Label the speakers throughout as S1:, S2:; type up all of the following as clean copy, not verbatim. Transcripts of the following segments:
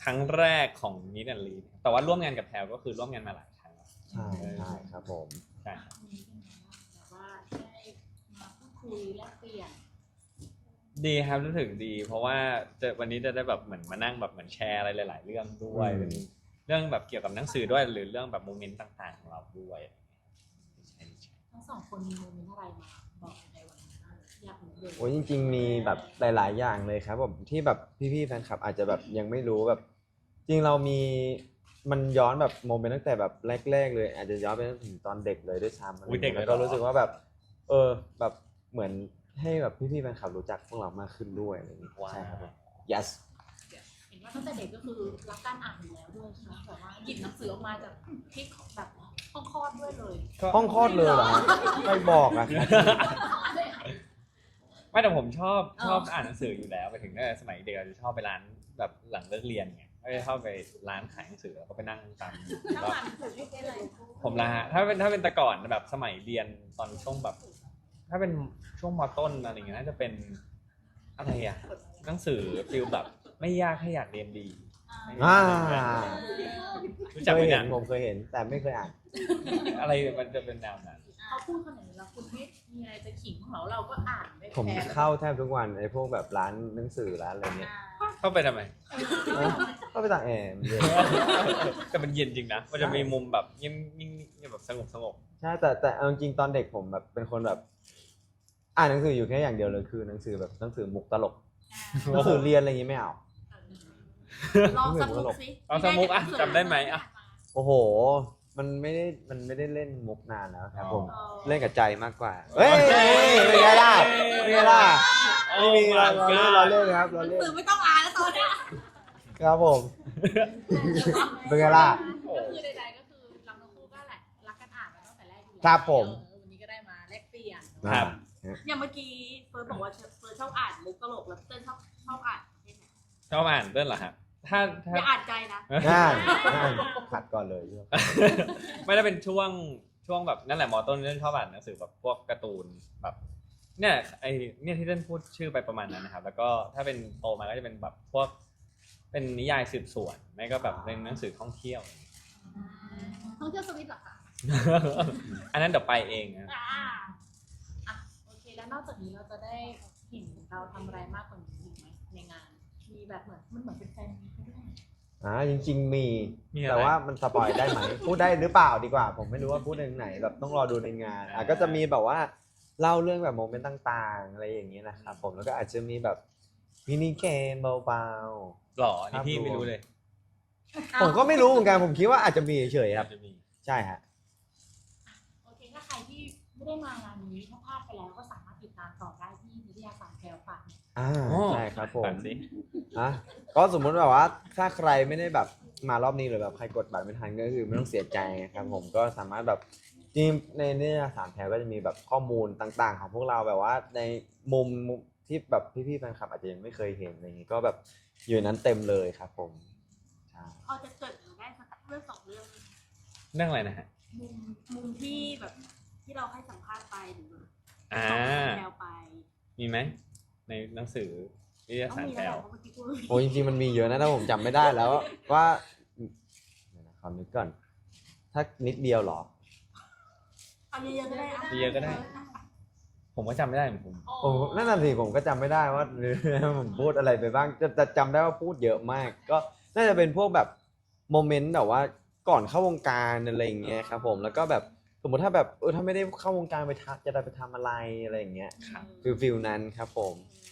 S1: ครั้งแรกของนิดแอนลีแต่ว่าร่วมงานกับแพลก็คือร่วมงานมาหลายครั้งแล้ว
S2: ใช่ใช่ครับผม
S1: ใช่
S3: แบบว่าได้มาพูดคุยแลกเปลี่ยน
S1: ดีครับรู้สึกดีเพราะว่าวันนี้จะได้แบบเหมือนมานั่งแบบเหมือนแชร์อะไรหลายๆเรื่องด้วยเป็นเรื่องแบบเกี่ยวกับหนังสือด้วยหรือเรื่องแบบโมเมนต์ต่างๆของเราด้วย
S3: ทั้งสองคนมีโมเมนต์อะไรมาบอกในวันนี้บ้างอยากรู้เลย
S2: โอ้ยจริงๆมีแบบหลายๆอย่างเลยครับผมที่แบบพี่ๆแฟนคลับอาจจะแบบยังไม่รู้แบบจริงเรามีมันย้อนแบบโมเมนต์ตั้งแต่แบบแรกๆเลยอาจจะย้อนไปถึงตอนเด็กเลยด้วยซ้ำแล้วก็รู้สึกว่าแบบแบบเหมือนให้แบบพี่ๆแฟนคลับรู้จักพวกเรามากขึ้นด้วยอะไรอย่างนี้ใช่ครับผม yes
S3: เห็นว่าตั้งแต่เด็กก็คือรักการอ่านอยู่แล้วด้วยใช่ไหมแบบว่าหยิบหนังสือออกมาจากที่แบบห้องคลอดด้วยเลย
S2: ห้องคลอดเลยเหรอไม่บอกอะ
S1: ไม่แต่ผมชอบอ่านหนังสืออยู่แล้วไปถึงตั้งแต่สมัยเด็กจะชอบไปร้านแบบหลังเลิกเรียนไงก็จะชอบไปร้านขายหนังสือแล้วก็ไปนั่งตามแล้วผมละฮะถ้าเป็นแต่ก่อนแบบสมัยเรียนตอนช่วงแบบถ้าเป็นช่วงม.ต้นอะไรอย่างเงี้ยน่าจะเป็นอะไรอะหนังสือฟิลแบบไม่ยากให้อยากเรียนดีรู้จัก
S2: เค
S1: ไหม
S2: ยเห็
S1: เนี่
S2: น
S1: ย
S2: ผมเคยเห็นแต่ไม่เคยอ่าน
S1: อะไรมันจะเป็นแนวนั้น
S3: เขาพูดขนาดนี้แล้วคุณไม่มีอะไรจะขิงของเราก็อ่านไม่
S2: ผม
S3: แพ้
S2: เข้าแทบทุกวันไอ้พวกแบบร้านหนังสือร้านอะไรเงี้ย
S1: เข้าไปทำไม
S2: ก็ไปต่างแอร์เย็น
S1: แต่มันเย็นจริงนะมันจะมีมุมแบบยิ่งแบบสงบ
S2: ใช่แต่เอาจริงๆตอนเด็กผมแบบเป็นคนแบบอ่านหนังสืออยู่แค่อย่างเดียวเลยคือหนังสือแบบหนังสือมุกตลกหนังสือเรียนอะไรอย่างงี้ไม่เอา
S3: ลองสักมุกสิ
S1: เอาสมุกอ่ะจำได้ไหมอ่ะ
S2: โอ้โหมันไม่ได้เล่นมุกนานแล้วครับผมเล่นกับใจมากกว่าเฮ้ยเป็นไงล่ะเป็นไงล่ะไม่มีเราเล่นครับเราเล่น
S3: สื่อไม่ต้องอ่านแล้วตอนเนี้ย
S2: ครับผมเป็นไงล่ะ
S3: ก็คือใดๆก็คือเราทั้งคู่ก็แหละรักกันอ่านมาตั้งแต่แรกอยู่แล้ว
S2: ครับผม
S3: วันนี้ก็ได้มาแลกเปลี่ยน
S1: ครับ
S3: อย่างเมื่อกี้เฟิร์สบอกว่าเฟิร์สชอบอ่านมุกตลกแล้วเติ้ลชอบอ่านประเภทไหน
S1: ชอบอ่านเรื่องเหรอฮะถ้า
S3: อย่าอ่านใจนะ
S2: ง่ายขัดก่อนเลย
S1: ไม่ได้เป็นช่วงแบบนั่นแหละมอต้นเล่นชอบอ่านหนังสือแบบพวกการ์ตูนแบบเนี่ยเนี่ยที่เล่นพูดชื่อไปประมาณนั้นนะครับแล้วก็ถ้าเป็นโตมาก็จะเป็นแบบพวกเป็นนิยายสืบสวนไม่ก็แบบเป็นหนังสือท่องเที่ยว
S3: ท่องเที่ยวสวิตเหรอคะ
S1: อันนั้นเดี๋ยวไปเองนะ
S3: อ่ะโอเคแล้วนอกจากนี้เราจะได้เห็นเราทำอะไรมากกว่านี้อีกไหมในงานมีแบบเหมือนมันเหมือนเป็นแฟนมีตด้วย
S2: จริงๆมี
S1: อะไร
S2: แต่ว่ามันสปอยได้ไหม พูดได้หรือเปล่าดีกว่า ผมไม่รู้ว่าพูดในไหนแบบต้องรอดูในงานก็จะมีแบบว่าเล่าเรื่องแบบโมเมนต์ต่างๆอะไรอย่างนี้นะครับผมแล้วก็อาจจะมีแบบมินิเกมเบา
S1: หล่อนี่พี่ไม่รู้เลย
S2: ๆผมก็ไม่รู้เหมือนกันผมคิดว่าอาจจะมีเฉยๆครับ
S1: จะมี
S2: ใช่ฮะ
S3: โอเคถ้าใครที่ไม่ได้มางานนี้ถ้าพลาดไปแล้วก็สามารถติดตามต่อได้ที่นิตยสารแพรวฝัน
S2: ใช่ครับผม
S1: ฝันสิ
S2: ก็สมมุติแบบว่าถ้าใครไม่ได้แบบมารอบนี้หรือแบบใครกดบัตรไม่ทันก็คือไม่ต้องเสียใจครับผมก็สามารถแบบจริงในนิตยสารแพรก็จะมีแบบข้อมูลต่างๆ ของพวกเราแบบว่าในมุมที่แบบพี่ๆแฟนคลับอาจจะยังไม่เคยเห็นอะไรอย่างงี้ก็แบบอยู่นั้นเต็มเลยครับผมใช่
S3: พอจะเกิดได้สักเรื่องสองเรื่อง
S1: เรื่องอะไรนะฮะ
S3: มุมที่แบบที่เราให้สัมภาษณ์ไปหรือ
S1: อ่า
S3: แนวไป
S1: มีไหมในหนังสือนิตย
S3: ต้อง
S1: สาร
S3: มี
S1: แพล
S3: แล้ว
S1: ว
S3: เพราะเมื่อกี้พูด
S2: โอ้จริงๆมันมีเยอะนะแต่ผมจำไม่ได้แล้วว่าเดี๋ยวนะขอนึกก่อนถ้านิดเดียวเหรอ
S3: เอาเยอะๆก็ได้
S1: เยอะๆก็ได้ ผมก็จำไม่ได้เหมือนผม
S2: ผมนั่นน่ะสิผมก็จำไม่ได้ว่า ผมพูดอะไรไปบ้างแต่จำได้ว่าพูดเยอะมาก ก็น่าจะเป็นพวกแบบโมเมนต์แบบว่าก่อนเข้าวงการอะไรอย่างเงี้ยครับผมแล้วก็แบบสมมติถ้าแบบถ้าไม่ได้เข้าวงการจะได้ไปทำอะไรอะไรอย่างเงี้ยฟิลนั้นครับผม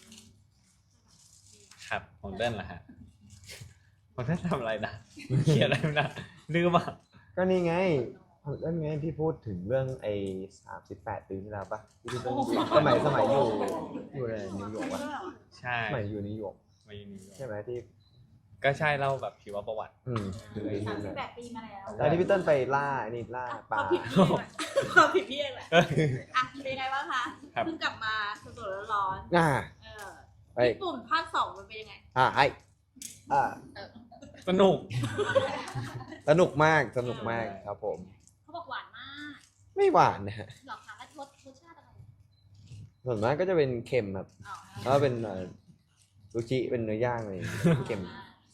S1: ครับของเต้นล่ะฮะของเต้นทำอะไรนะเขียนอะไรนะลืมอ่ะ
S2: ก็นี่ไงนั่นไงที่พูดถึงเรื่องไอ้38 ปีที่แล้วปะที่พี่ต้นสมัยอยู่ในนิวยอร์กวะ
S1: ใช่
S2: สมัยอยู่นิวยอร์ก
S1: มาอยู่นิวยอร์ก
S2: ใช่ไหมที่
S1: ก็ใช่เล่าแบบชีวประวัติ
S2: คือไอ้นี่แหละ
S3: 38 ปีมาแล้ว
S2: แล้วที่พี่ต้นไปล่าปลา
S3: ความผิดพี่เองแหละอ่ะเป็นไงบ้างคะเพิ่งกลับมาสดๆร้อนๆญี่ปุ่นภาค 2มันเป็นยังไง
S2: ให้
S1: สนุก
S2: สนุกมากครับผม
S3: เขาบอกหวานมาก
S2: ไม่หวานนะฮะ
S3: หรอคะแล้วรสชาติอะไร
S2: ส่วนมากก็จะเป็นเค็มครับ
S3: อ๋อ
S2: แล้วเป็นซูชิเป็นเนื้อย่างอะไรอย่างเงี้ยเค็ม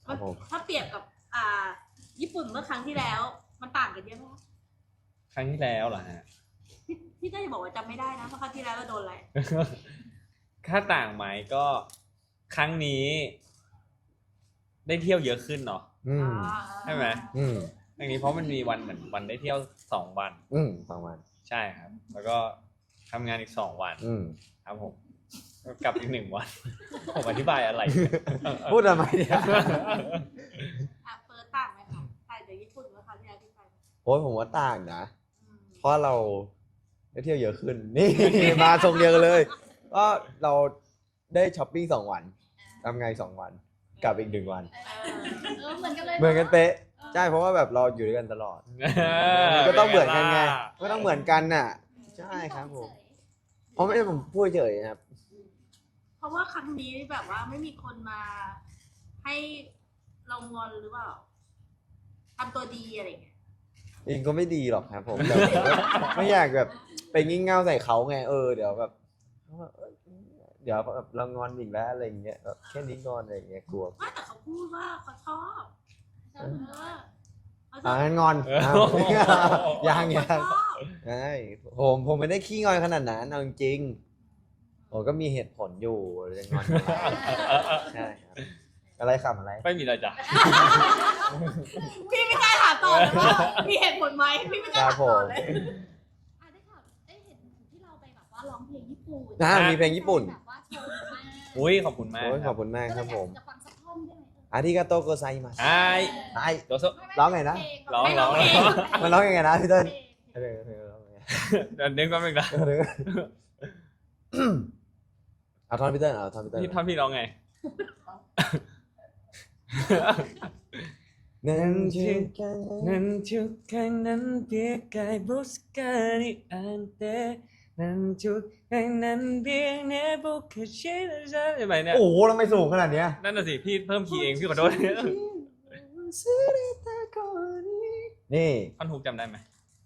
S2: ครับผม
S3: ถ้าเปรียบกับญี่ปุ่นเมื่อครั้งที่แล้ว มันต่างกันเยอะไหมคะ
S1: ครั้งที่แล้วเหรอฮะ
S3: พี่ก็จะบอกว่าจำไม่ได้นะเพราะครั้งที่แล้วเราโดนอะไร
S1: ค่าต่างไหมก็ครั้งนี้ ได้เที่ยวเยอะขึ้นเนาะ
S2: อืม
S1: ใช่ไหม
S2: อืม
S1: อย่างนี้เพราะมันมีวันเหมือนวันได้เที่ยว2 วัน
S2: ประมาณ
S1: ใช่ครับ แล้วก็ทำงานอีก2 วัน ครับผมก็กลับอีก1 วัน ผมอธิบายอะไร
S2: พูดทำไมเนี่ย
S3: เฟิร์สต่างไหมคะต่างจากญี่ปุ่นเมื่อครั้งที่แล้วที่ไป
S2: โอ้ยผมว่าต่างนะ
S3: อืม
S2: เพราะเราได้เที่ยวเยอะขึ้น นี่ มาทรงเดียวกันเลย ก็เราได้ช้อปปิ้ง2 วันทำไง2 วัน กลับอีก1 วัน
S3: เหมือนกันเลย
S2: เหมือนกันเป๊ะ ใช่เพราะว่าแบบเราอยู่ด้วยกันตลอด ก็ต้องเหมือนกันไง ก็ต้องเหมือนกันน่ะ ใช่ครับผมเพราะไม่ได้ผมพูดเฉยครับ
S3: เพราะว่าครั้งนี้แบบว่าไม่มีคนมาให้เรางอนหรือเปล่าทำตัวดีอะไรอย่างเงี้ย
S2: จริงก็ไม่ดีหรอกครับผมแต่ผมก็ไม่อยากแบบไปงี่เง่าใส่เขาไงเดี๋ยวแบบเดี๋ยวแบบเรางอนอีกแล้วอะไรอย่างเงี้ยแบบแค่นี้งอนอะไรอย่างเงี้ยกลัว
S3: ว่าแต่เขาพูดว่าเขาชอบเขาช
S2: งั้นงอน
S1: เออ
S2: ยัง
S3: เขาชอบ
S2: ใช่ผมไม่ได้ขี้งอนขนาดนั้นเอาจริงๆผมก็มีเหตุผลอยู่จะงอนใช่ครับอะไรขำอะไร
S1: ไม่มีอะไรจ้ะ
S3: พี่ไม่กล้าถามต่อเลยว่ามีเหตุผลไหมพี่ไม่กล้าถามต่อเลย
S4: ได้ข่าวได้เห็นที่เราไปแบบว่าร้องเพลงญี่ปุ่น
S2: มีเพลงญี่ปุ่น
S4: แบบว่าโชว์มาก
S1: อุ้ยขอบคุณมาก
S2: โอ้ย
S1: ค
S2: ข
S1: รั
S2: อ
S1: บบ
S2: คุณมากครับผม
S4: จะฟังสักท่อนได้ไหม
S2: อาริกาโตโกไซมัส
S1: ไอ้
S2: ไอ้
S1: โดโซ
S2: ร้องไงนะ
S1: ร้อง
S3: ไม่ร้องเอง
S2: มันร้องยังไงนะพี่เติ้ล
S4: เพลง
S2: ร้องยังไง
S1: เดี๋ยวนึกแป๊บนึงนะ
S2: เอาท่อนพี่เติ้ลเอาท่อนพี่เติ้ล
S1: พี่ท่อนพี่ร้องไง
S2: นั่นชื่อกัน
S1: Nancukan biarkan buskani ante Nancukan biarkan bukan cerita ใช่ไหมเนี่ย
S2: โอ้โหทำไมสูงขนาดเนี้ย
S1: นั่นน่ะสิพี่เพิ่มคีย์เองพี่ขอโทษ
S2: นี่
S1: ท่อนฮุกจำได้ไหม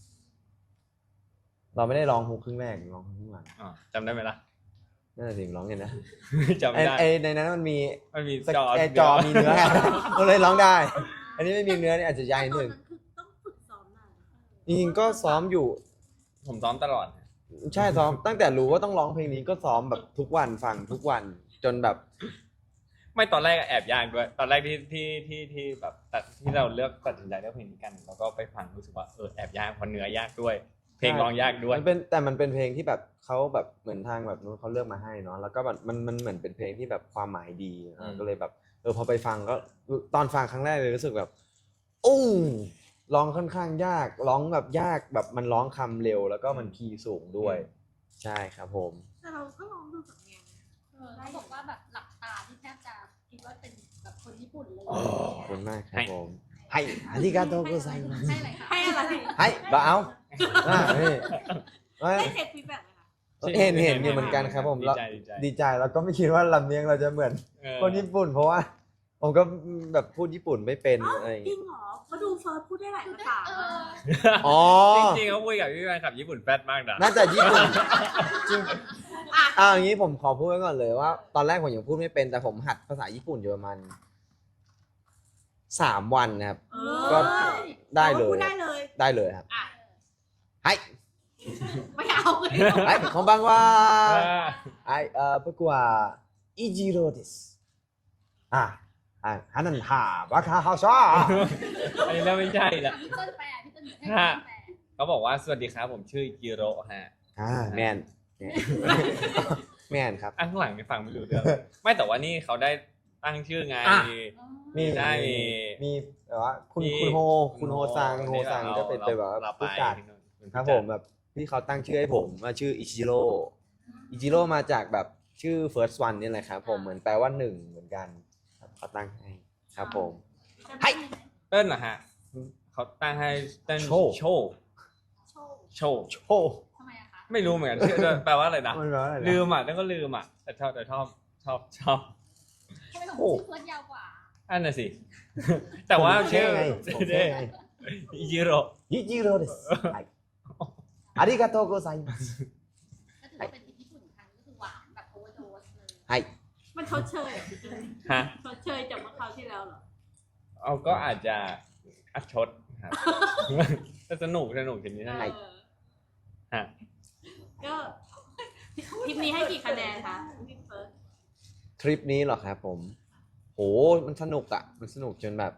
S2: เราไม่ได้ร้องฮุกครึ่งแรกร้องครึ่งหลัง
S1: อ๋อจำได้ไหมล่ะ
S2: นั่นแหละสิร้องไงนะ
S1: จำไม่ได้
S2: ไอ้ในนั้นมันมี
S1: มันมี
S2: จอมีเนื้อ ก็เลยร้องได้ อันนี้ไม่มีเนื้อนี่อาจจะยากนิดนึง
S3: ต้องฝึกซ้อมนาน
S2: จริงๆก็ซ้อมอยู่
S1: ผมซ้อมตลอด
S2: ใช่ซ้อมตั้งแต่รู้ว่าต้องร้องเพลงนี้ก็ซ้อมแบบทุกวันฟังทุกวันจนแบบ
S1: ไม่ตอนแรกแอบยากด้วย ตอนแรกที่แบบที่เราเลือกตัดสินใจเลือกเพลงนี้กันแล้วก็ไปฟังรู้สึกว่าแอบยากเพราะเนื้อยากด้วย เพลงร้องยากด้วย
S2: มันเป็นเพลงที่แบบเขาแบบเหมือนทางแบบนู้นเขาเลือกมาให้เนาะแล้วก็แบบมันเหมือนเป็นเพลงที่แบบความหมายดีก็เลยแบบพอไปฟังก็ตอนฟังครั้งแรกเลยรู้สึกแบบร้องค่อนข้างยากร้องแบบยากแบบมันร้องคำเร็วแล้วก็มันคีย์สูงด้วย ใช่ครับผม
S3: แต่เราก็ลองดูสำเนียง
S4: เขาบอกว่าแบบหลับตาที่แทบจะคิดว่าเป็นแบบคนญี่ปุ่นเลย
S2: ขอบคุณมากครับผมให้อาริกาโตโกไซมัส
S4: ให้อะไรคะ
S3: ให้อะไร
S2: ให้บ่เอานี่
S3: ได้เทคฟีดแบ็กไหมคะ
S2: เห็นอยู่เหมือนกันครับผม
S1: ดี
S2: แล้ว
S1: ใจ
S2: ดีใจแล้วก็ไม่คิดว่าลำเนียงเราจะเหมือน
S1: เออ
S2: คนญี่ปุ่น เพราะว่าผมก็แบบพูดญี่ปุ่นไม่เป็น
S3: อ๋อ
S2: อะไรอย่าง
S3: จริ
S2: เงี้ย
S3: งเหรอเขาดูเฟิร์สพูดได้หลายภาษา
S2: อ๋อ
S1: จริงๆเขาคุยกับพี่แฟนคลับญี่ปุ่นแฟดมากนะ
S2: น่าจะญี่ปุ่นจริงอย่างนี้ผมขอพูดไว้ก่อนเลยว่า ตอนแรกผมยังพูดไม่เป็นแต่ผมหัดภาษาญี่ปุ่นอยู่ประมาณ3 วันนะครับ ก็ได้เลย
S3: พูดได้เลย
S2: ได้เลยครับ
S3: อ่ะ
S2: ให้
S3: ไม่เอาเลย
S2: ให้こんばんははい僕はイジローですハナンハバカハシャ
S1: อันนี้เริ่มไม่ใช่ละ
S4: พี่ต้นแปลพี่ต้นให้พี่ต้นแปล
S1: เขาบอกว่าสวัสดีครับผมชื่อจิโร่ฮะ
S2: แมนแมนครับ
S1: ข้างหลังนี่ฟังไม่รู้เรื่องไม่แต่ว่านี่เขาได้ตั้งชื่อไง
S2: มี
S1: ได้
S2: มีแบบว่าคุณโฮซังก็เป็นแบบว่าผู้จัดครับผมแบบที่เขาตั้งชื่อให้ผมว่าชื่ออิจิโร่มาจากแบบชื่อ first one นี่แหละครับผมเหมือนแปลว่า1เหมือนกันเขาตั้งให้ครับผม ให้
S1: เติ้ลเหรอฮะเขาตั้งให้เติ้ล
S2: โชว์
S1: โชว์
S4: โชว์
S1: โชว์
S2: โชว์
S4: ทำไมอะคะ
S1: ไม่รู้เหมือนกันชื่อแปลว่าอะไรนะ
S2: มันแปลว่าอะไรนะ
S1: ลืมอ่ะแล้วก็ลืมอ่ะแต่ชอบ
S4: ทำไมของชื่อเฟิร์สยาวกว่า
S1: อันน่ะสิ แต่ว่าชื่อ
S2: ผมเท่ไง
S1: อิจิโร่
S2: อิจิโร่ですはいありがとうございます
S4: ก็ถือว่าเป็นที่ญี่ปุ่นครั้งก็คือหวานแบบโอเวอร์โดสเลย
S2: はい
S3: มันชดเชย
S1: ฮะ
S3: ชดเชยจากเมื่อคราวที่แล้วเหรอ
S1: เอาก็อาจจะอัดชดครับแต่สนุกทีนี้นะ ฮะ
S3: ก็ทริปนี้ให้กี่คะแนนคะพี่เฟิร์ส
S2: ทริปนี้เหรอครับผมโหมันสนุกอ่ะมันสนุกจนแบบ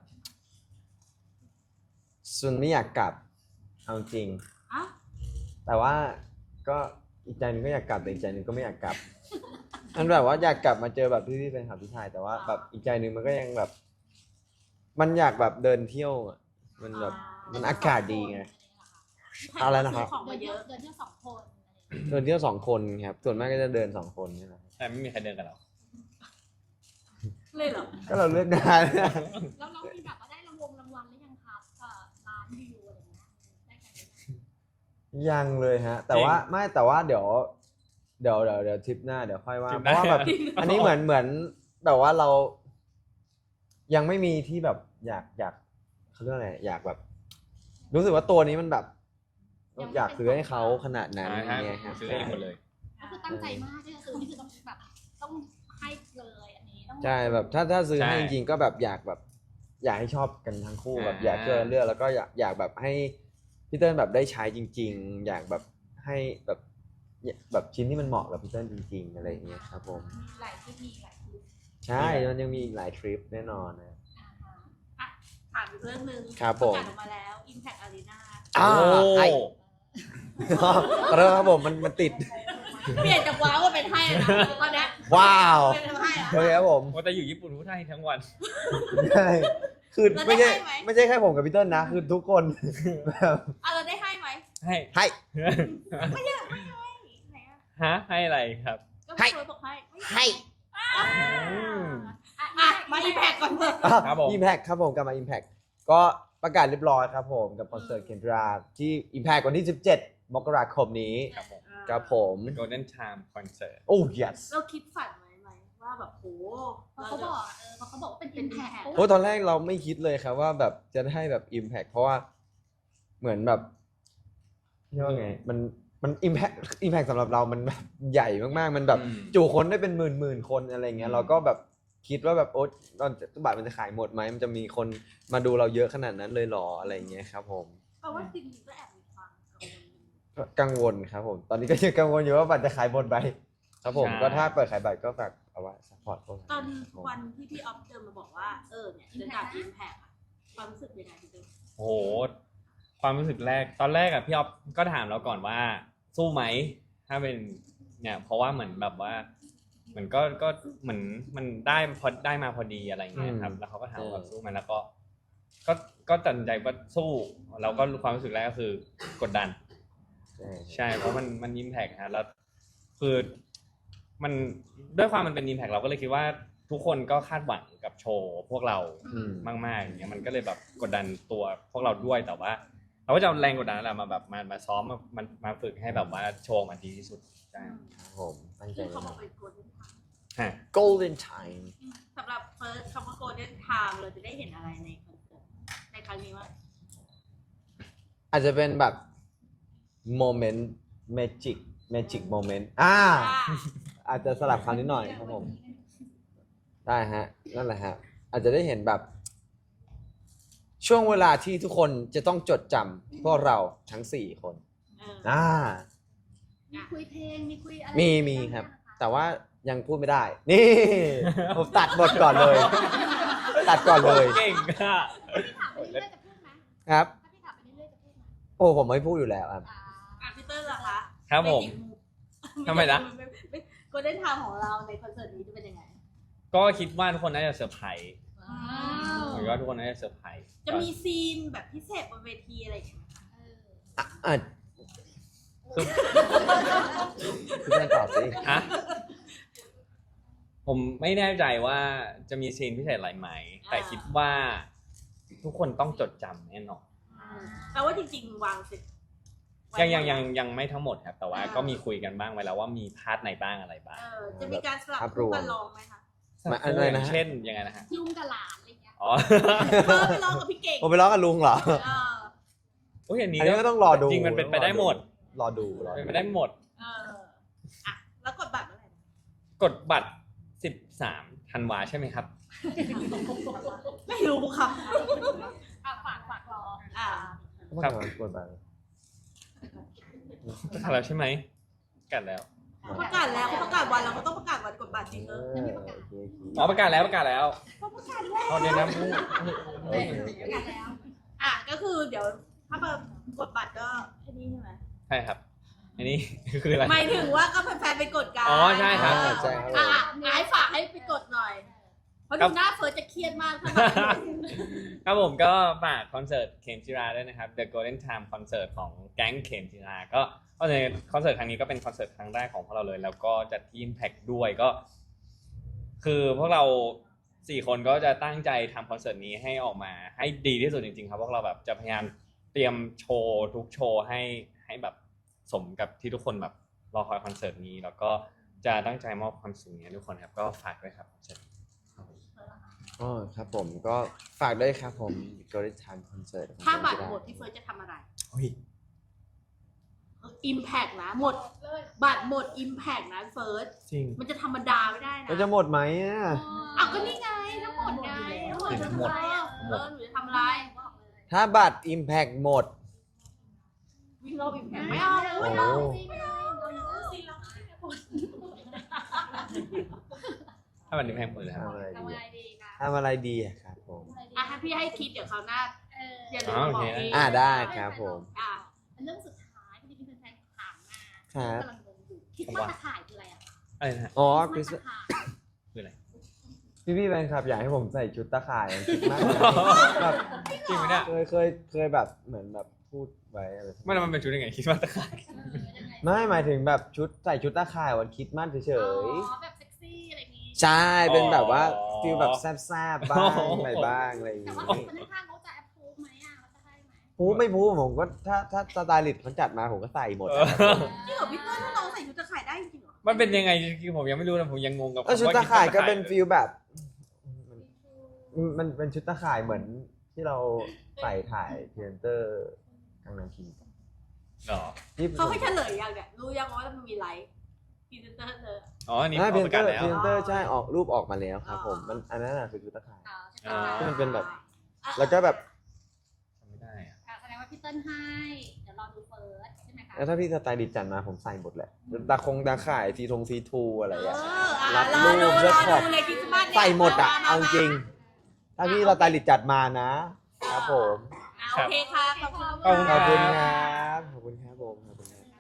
S2: ส่วนไม่อยากกลับเอาจริง
S3: อ่ะ
S2: แต่ว่าก็อีกใจหนึงก็อยากกลับแต่อีกใจหนึงก็ไม่อยากกลับ มันแบบว่าอยากกลับมาเจอแบบพี่ๆแฟนคลับที่ไทยแต่ว่าแบบอีกใจหนึงมันก็ยังแบบ มันอยากแบบเดินเที่ยวอะมันแบบมันอากาศดีไง อะไรนะครับ
S3: ของมาเยอะ
S4: เดินเที่ยว2 คนอะไรอย่างเงี้ย
S2: เดินเที่ยว2 คนครับส่วนมากก็จะเดิน2 คนนี่แหละ
S1: แต่ไม่มีใครเดินกับเรา
S3: เลยเหรอ
S2: ก็เราเลือกได้
S4: แล้วน้องมีแบบว่าได้รางวัลหรือยังครับล้านวิวอะไรอย่างเงี้ยได้กันหรือยัง
S2: ยังเลยฮะ แต่ว่าไม่แต่ว่าเดี๋ยวทริปหน้าเดี๋ยวค่อยว่า
S1: ทริป
S2: เพ
S1: หน้า
S2: ราะว่าแบบ อันนี้เหมือนแบบว่าเรา ยังไม่มีที่แบบอยากเขาเรียกอะไรอยากแบบ รู้สึกว่าตัวนี้มันแบบอยากซื้อให้เขาขนาดนั้น
S1: ใช่
S2: เนี่ยครับ
S1: ซื้อเองหมดเลย
S4: ก็คือตั้งใจมากที่จะซื้อนี่คือต้องแบบต้องให้เลยอันนี้ต้อง
S2: ใช่แบบถ้าซื้อให้
S1: ใช่
S2: จริงๆก็แบบอยากให้ชอบกันทั้งคู่แบบ
S1: อ่า
S2: อยากช่วยกันเลือกแล้วก็อยากแบบให้พี่เติ้ลแบบได้ใช้จริง ๆ อยากแบบให้แบบชิ้นที่มันเหมาะกับพี่เติ้ลจริง ๆ อะไรอย่างเงี้ยครับผม
S4: มีหลายที่มีหลายที่
S2: ใช่มันยังมีอีกหลายทริปแน่นอนนะ
S3: ถามอีกเรื่องหนึ่ง
S2: ครับผม
S3: ประกาศออกมาแล้ว Impact Arena
S2: อ่า
S1: โอ้
S2: ไอ้ ขอโทษครับผมมันติด
S3: เปลี่ยนจากว้าวมาเป็นให้นะตอนเนี้ย
S2: ว้าว
S3: เป็นให้อะ
S2: โอเคครับผม
S1: ว่าแต่อยู่ญี่ปุ่นพูดไทยทั้งวัน
S2: ใช่คือ
S3: แล้วได้
S2: ไม่ใช่
S3: ให้ไหม
S2: ไม่ใช่แค่ผมกับพี่เติ้ลนะ คือทุกคนแบบ
S3: เราได้ให้ไหม
S1: ให้
S2: ให้
S3: ไหนอะ
S1: ฮะให้อะไรครับ
S3: ก็พี่เฟิร์สบอกให้
S2: ให้
S1: อืม
S3: อ่ะมา Impact ก่อนเถอะ
S1: ครับผม
S2: Impact ครับผมกลับมา Impact ก็ประกาศเรียบร้อยครับผมกับคอนเสิร์ตเคนดราที่ Impact วันที่ 17 มกราคมนี้
S1: ครับผม
S2: ครับผม
S1: Golden Charm Concert
S2: โอ้ yes
S3: เราคิดฝันไว้ไหมว่าแบบโห
S4: เพราะเขาบอกเพราะเขาบอกว่าเป็นอิมแพค
S2: โอ้ตอนแรกเราไม่คิดเลยครับว่าแบบจะได้แบบ Impact เพราะว่าเหมือนแบบเรียกว่าไงมัน Impact สำหรับเรามันแบบใหญ่มากๆ มันแบบ
S1: อืม
S2: จุคนได้เป็นหมื่นคนอะไรเงี้ยเราก็แบบคิดว่าแบบโอ๊ยตอนบัตรมันจะขายหมดไหมมันจะมีคนมาดูเราเยอะขนาดนั้นเลยหรออะไรเงี้ยครับผม
S3: แปลว่าจริงๆก็แอบมีความกังวล
S2: กังวลครับผมตอนนี้ก็ยังกังวลอยู่ว่าบัตรจะขายหมดไหมครับผม
S1: ใช่
S2: ก็ถ้าเปิดขายบัตรก็ฝากเอาไว้ซัพพอร์ตพวกเรา
S3: ตอน
S2: ครับผม
S3: วันที่พี่ออฟเดินมาบอกว่าเนี่ยจะกลับ Impact อะความรู้สึกยังไงพี่เดิม
S1: โอ้โห ความรู้สึกแรก ตอนแรกอะพี่ออฟก็ถามเราก่อนว่า สู้ไหม ถ้าเป็นเนี่ย เพราะว่าเหมือนแบบว่าเหมือนก็เหมือนมันได้มาพอดีอะไรอย่างเงี้ยครับ แล้วเขาก็ถามว่าสู้ไหมแล้วก็ตัดสินใจว่าสู้ เราก็ความรู้สึกแรกก็คือกดดัน ใช่ เพราะมันอิมแพกฮะแล้วคือมันด้วยความมันเป็นอิมแพกเราก็เลยคิดว่าทุกคนก็คาดหวังกับโชว์พวกเรา
S2: อืม
S1: มากๆอย่างเงี้ยมันก็เลยแบบกดดันตัวพวกเราด้วยแต่ว่า เราก็จะเอาแรงกดดันนั่นแหละมาแบบมาซ้อมมาฝึกให้แบบว่าโชว์มาดีที่สุดใช่
S2: ครับผมตั้งใจ
S3: ซึ่ง
S2: แน่
S3: เขา
S2: น
S3: บอ
S2: อก น
S3: เป็น Golden Time
S1: ฮะ
S2: Golden Time
S3: สำหรับเฟิร์สคำว่า Golden Time เราจะได้เห็นอะไรในคอนเสิร์ตในครั้งนี้ว่า
S2: อาจจะเป็นแบบโมเมนต์เมจิกโมเมนต์อาจจะสลับคำนิดหน่อยครับผม ได้ฮะ นั่นแหละฮะ อาจจะได้เห็นแบบ ช่วงเวลาที่ทุกคนจะต้องจดจำพวกเราทั้ง 4 คน
S4: มีคุยเพลงมีคุยอะไร
S2: มีครับ แต่ว่ายังพูดไม่ได้ นี่ ผมตัดบทก่อนเลย ตัดก่อนเลย
S1: เก่งอ่ะ
S4: พี่ถามไปเรื่อยๆจะพูดไหม
S2: ครับ
S4: ถ้าพี่ถามไปเรื่อยๆจะพูดไหม
S2: โอ้ผมไม่พูดอยู่แล้วครับ
S3: พี่เตอร์ล่ะคะ
S1: ครับผม ทำไมนะ
S3: Golden Time ของเราในคอนเสิร์ตนี้จะเป็นยังไง
S1: ก็คิดว่าทุกคนน่าจะเซอร์ไพรส์
S4: ว้าว
S1: ผมว่าทุกคนน่าจะเซอร์ไพรส์
S3: จะมีซีนแบบพิเศษบนเวทีอะไรอย่างเงี้ยไหมคะ
S2: อ่ะคุณแม่ตอบสิ
S1: ฮะผมไม่แน่ใจว่าจะมีซีนพิเศษอะไรไหมแต่คิดว่าทุกคนต้องจดจำแน่นอน
S3: แปลว่าจริงๆวางเสร็จ
S1: ยังไม่ทั้งหมดครับแต่ว่าก็มีคุยกันบ้างไว้แล้วว่ามีพาร์ทไหนบ้างอะไรบ้าง
S3: จะมีการสลับคู่กันร้องไหมคะ
S2: อะไรนะ
S1: เช่นยังไงนะฮะ
S4: ลุงกับหลานอะไรเงี้ย
S1: อ๋อ
S3: ไปร้องกับพี่เก่ง
S2: ผมไปร้องกับลุงเหรอ
S3: เออ
S1: โอ้ยอันนี้
S2: อันนี้ก็ต้องรอดู
S1: จริงมันเป็นไปได้หมด
S2: รอดู
S1: เป็นไปได้หมด
S3: อ่ะแล้วกดบัตรเมื่อไหร่
S1: กดบัตร13 ธันวาใช่ไหมครับ
S3: ไม่รู้ค่ะ
S4: ฝากรอ
S3: อ่า
S1: ครับ
S2: กดบัตร
S1: ประกาศแล้วใช่ไหมประกาศแล้ว
S3: ประกาศแล้วเขาประกาศวันเราก็ต้องประกาศวันกดบัตรจริง
S2: โอเค
S1: อ๋อประกาศแล้วประกาศแล้ว
S3: เขาประกาศแล้ว
S1: อ๋อเดี๋ยวนะ
S2: โอเค
S4: ประกาศแล้ว
S3: อ่ะก็คือเดี๋ยวถ้ากดบัตรก็แค่นี้ใช่ไหม
S1: ใช่ครับ อันนี้คืออะไร
S3: หมายถึงว่าก็แฟนๆไปกดกัน
S1: อ๋อใช่ครับ
S2: ใช่ครับ
S3: อ่ะให้ฝากให้ไปกดหน่อยเพราะดูหน้าเฟิร์สจะเครียดมากถ้าแบบ
S1: ครับผมก็ฝากคอนเสิร์ตเข็มจิราด้วยนะครับ The Golden Time คอนเสิร์ตของแก๊งเข็มจิราก็ในคอนเสิร์ตครั้งนี้ก็เป็นคอนเสิร์ตครั้งแรกของพวกเราเลย แล้วก็จัดที่ Impact ด้วยก็ คือพวกเรา4คนก็จะตั้งใจทำคอนเสิร์ตนี้ให้ออกมาให้ดีที่สุดจริงๆครับพวกเราแบบจะพยายามเตรียมโชว์ทุกโชว์ให้แบบสมกับที่ทุกคนแบบรอคอยคอนเสิร์ตนี้ แล้วก็จะตั้งใจมอบความสุขนี้ให้ทุกคนครับก็ฝากด้วยครับคอนเสิร์ตนี้ครับผม
S2: อ๋อครับผมก็ฝากด้วยครับผม Golden Time Concert ของ
S3: ถ้าบัตร
S2: เจมส์
S3: หม
S2: จิ
S3: ดพี่เฟิร์สจะทำอะไร
S1: เฮ้ย
S3: อิมแพกนะหมดบัตรหมดอิมแพกนะเฟิร์ส
S1: จริง
S3: มันจะธรรมดาไม่ได้นะ
S2: ราจะหมดไหมอ่ะ
S3: อ้าวก็นี่ไงทั้งหมดไงทั้งหมด
S1: ทั้งหมด
S3: หนูจะทำอะไร
S2: ถ้าบัตร Impact หมด
S3: วิ่งรอบอิมแพกไม่เอา
S2: โอ้
S3: ไม่เอา
S1: ถ้ามันนี้แพงหมดเลยครับ
S2: ทำอะไร
S4: ทำ
S2: ดี
S4: อะไร
S2: อะ
S4: ดีนะ
S2: ทำอะไรดีอะครับผม
S3: อ่ะให้พี่ให้คิดเดี๋ยวคราวหน้า อย่าลืม
S1: อ๋อ
S3: มา
S1: โอบ
S3: อ
S1: เค
S3: กพี่
S2: ได้ครับผม
S3: อ่ะ
S4: เรื่องสุดท้ายที่มีแฟนๆถามมา
S2: ครับ
S4: กำลังงงอยู่คิดว่าตะข่ายคืออะไรอ่ะ
S1: อะไรนะฮะ
S2: อ๋อ
S4: คิ
S2: ค
S4: ด
S2: ริส
S4: ว่าตะข่าย
S1: คืออะไร
S2: พี่แฟนคลับอยากให้ผมใส่ชุดตาข่ายคิดมากเลยแบบ
S1: จริงไหมเนี่ย
S2: เคยแบบเหมือนแบบพูดไว้อะไร
S1: ไม่แล้วมันเป็นชุดยังไงคิดว่าตะข่าย
S4: ยังไง
S2: ไม่หมายถึงแบบใส่ชุดตาข่ายวันคริดมากเฉ
S4: อ๋
S2: ย
S4: อแบบเซ็กซี่อะไรอย่างงี้
S2: ๆใช่เป็นแบบว่า
S1: อ๋อ
S2: ฟิลแบบแซ่บๆบ้างอะไรบ้างอะไรอย่าง
S4: แต่
S2: งี้
S4: ว่าคนข้างๆเขาจะแอปพูฟไหมอ่ะเขาจะให้ไหม
S2: พูดไม่พูดผมก็ถ้าสไตลิสต์เขาจัดมาผมก็ใส่หมด
S1: เอ
S2: อะ
S1: อ
S3: จริงเหรอพี่เต้ยถ้าน้องใส่ชุดตะข่ายได้จริงเหรอ
S1: มันเป็นยังไงคือผมยังไม่รู้นะผมยังงงกับ
S2: ชุด
S1: คำว่
S2: ตาข่ายก็
S1: คิดว่
S2: เป็นฟิลแบบ มันเป็นชุดตาข่ายเหมือนที่เราใส่ถ่ายเทนเตอร์กลางนังคิง
S1: หรอ
S2: ที่
S3: เขาให้เฉลยยังเนี่ยรู้ยังว่ามันมีไลฟ์พรีเซนเตอร์เลย
S1: อ๋ออันนี้
S2: เท
S1: เขา
S2: น
S1: ประ
S2: เต
S1: กา
S2: อ
S1: ศ
S2: ร์
S1: แล้ว
S2: เทนเตอร์ใช่ออกรูปออกมาแล้วครับผม
S3: อ๋อ
S2: มันอันนั้นน่ะคือชุดตาข่าย
S4: อ๋อใช่ไหม
S2: ที่มันเป็นแบบ
S3: อ่ะ
S2: แล้วก็แบบ
S1: จำไม่ได้อะ
S4: แสดงว่าพี่เติ้ลให้ เดี๋ยวรอดูเฟิร์สใช่ไหมคะ
S2: แล้วถ้าพี่สไตลิสต์จัดมาผมใส่หมดแหละตาข่ายซีทูอะไร
S3: เอ
S2: อ่ะ
S3: ออ่ะ
S2: รับ
S3: รอดู
S2: รูป
S3: ร
S2: เลื
S3: อ
S2: อกข
S3: ดู
S2: อบ
S3: เลยคริสต์มาสเนี่ย
S2: ใส่หมดอ่ะ
S3: ม
S2: เอาจริง ถ้าพี่สไตลิสต์จัดมานะ ครับผม
S3: อ่ะโอเคค่ะขอบคุณ
S1: ขอบคุณ
S2: ขอบคุณครับขอบคุณครับผมขอบคุณครับ